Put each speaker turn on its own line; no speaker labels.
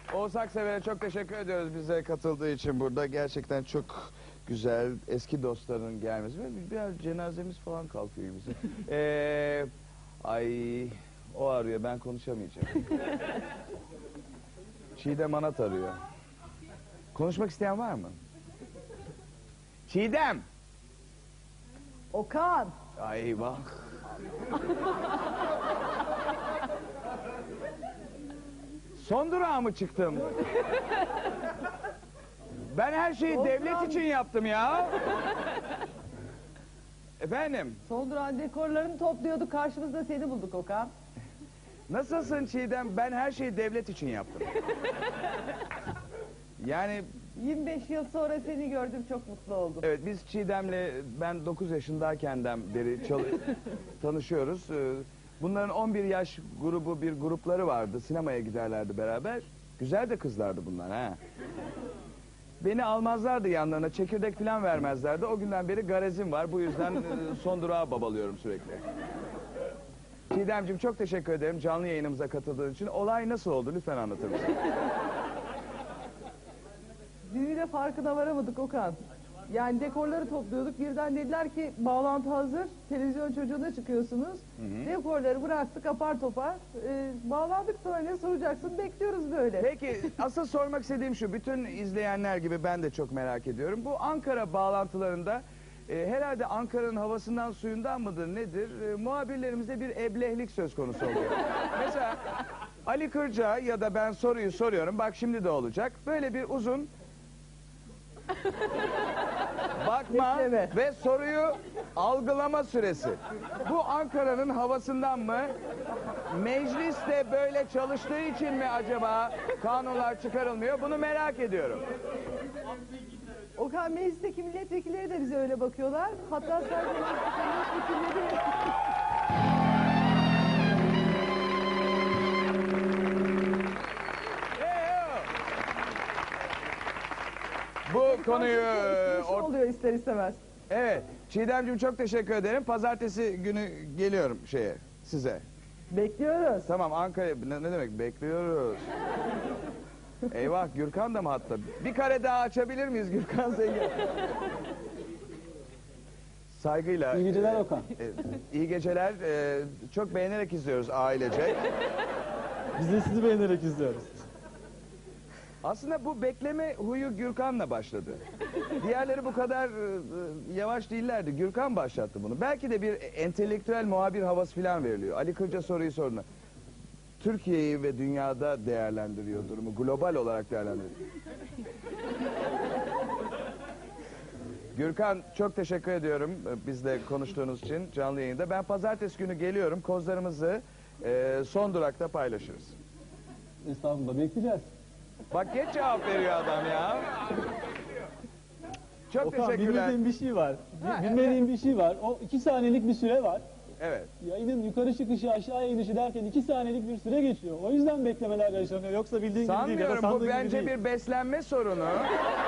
Oğuz Aksever'e çok teşekkür ediyoruz bize katıldığı için burada. Gerçekten çok güzel eski dostların gelmesi. Biraz cenazemiz falan kalkıyor bizim. Ay o arıyor, ben konuşamayacağım. Çiğdem Anat arıyor. Konuşmak isteyen var mı? Çiğdem!
Okan.
Ay bak. Son durağa mı çıktım? Ben her şeyi
Son
devlet
durağın-
için yaptım ya. Efendim,
Son duran dekorlarını topluyorduk. Karşımızda seni bulduk Okan.
nasılsın Çiğdem? Ben her şeyi devlet için yaptım. Yani
25 yıl sonra seni gördüm, çok mutlu oldum.
evet, biz Çiğdem'le ben 9 yaşındayken beri tanışıyoruz. Bunların 11 yaş grubu bir grupları vardı. Sinemaya giderlerdi beraber. Güzel de kızlardı bunlar ha. Beni almazlardı yanlarına, çekirdek falan vermezlerdi. O günden beri garezim var. Bu yüzden son durağa babalıyorum sürekli. Çiğdemciğim çok teşekkür ederim canlı yayınımıza katıldığın için. Olay nasıl oldu? Lütfen anlatır mısın?
Düğüne farkına varamadık Okan. Yani dekorları topluyorduk. Birden dediler ki bağlantı hazır. Televizyon çocuğuna çıkıyorsunuz. Dekorları bıraktık apar topar. Bağlandık, sonra ne soracaksın? Bekliyoruz böyle.
Peki asıl sormak istediğim şu. Bütün izleyenler gibi ben de çok merak ediyorum. Bu Ankara bağlantılarında herhalde Ankara'nın havasından suyundan mıdır nedir? Muhabirlerimizde bir eblehlik söz konusu oluyor. Mesela Ali Kırca ya da ben soruyu soruyorum. Bak şimdi de olacak. Böyle bir uzun bakma
Bekleme.
ve soruyu algılama süresi. Bu Ankara'nın havasından mı? Meclis de böyle çalıştığı için mi acaba kanunlar çıkarılmıyor? Bunu merak ediyorum.
Okan, meclisteki milletvekilleri de bize öyle bakıyorlar. Hatta sen milletvekilleri...
Bu konuyu
oluyor ister istemez.
evet, Çiğdemciğim çok teşekkür ederim. Pazartesi günü geliyorum size.
Bekliyoruz.
Tamam, Ankara ne demek bekliyoruz. Eyvah, Gürkan da mı hatta? Bir kare daha açabilir miyiz Gürkan Zengin? Saygıyla.
İyi geceler Okan.
İyi geceler. Çok beğenerek izliyoruz ailece.
Biz de sizi beğenerek izliyoruz.
Aslında bu bekleme huyu Gürkan'la başladı. Diğerleri bu kadar yavaş değillerdi. Gürkan başlattı bunu. Belki de bir entelektüel muhabir havası falan veriliyor. Ali Kırca soruyu sorduğunda Türkiye'yi ve dünyada değerlendiriyor durumu. Global olarak değerlendiriyor. Gürkan çok teşekkür ediyorum bizle konuştuğunuz için canlı yayında. Ben pazartesi günü geliyorum. Kozlarımızı son durakta paylaşırız.
Estağfurullah, bekleyeceğiz.
Bak geç cevap veriyor adam ya. Çok
Okan,
teşekkürler.
bilmediğim bir şey var. Bilmediğim bir şey var. O 2 saniyelik bir süre var.
Evet.
Yayının yukarı çıkışı aşağıya inişi derken 2 saniyelik bir süre geçiyor. O yüzden beklemeler yaşanıyor. Yoksa bildiğin gibi değil ya da
Sanmıyorum, bu
sandığın gibi
bence
değil.
bir beslenme sorunu.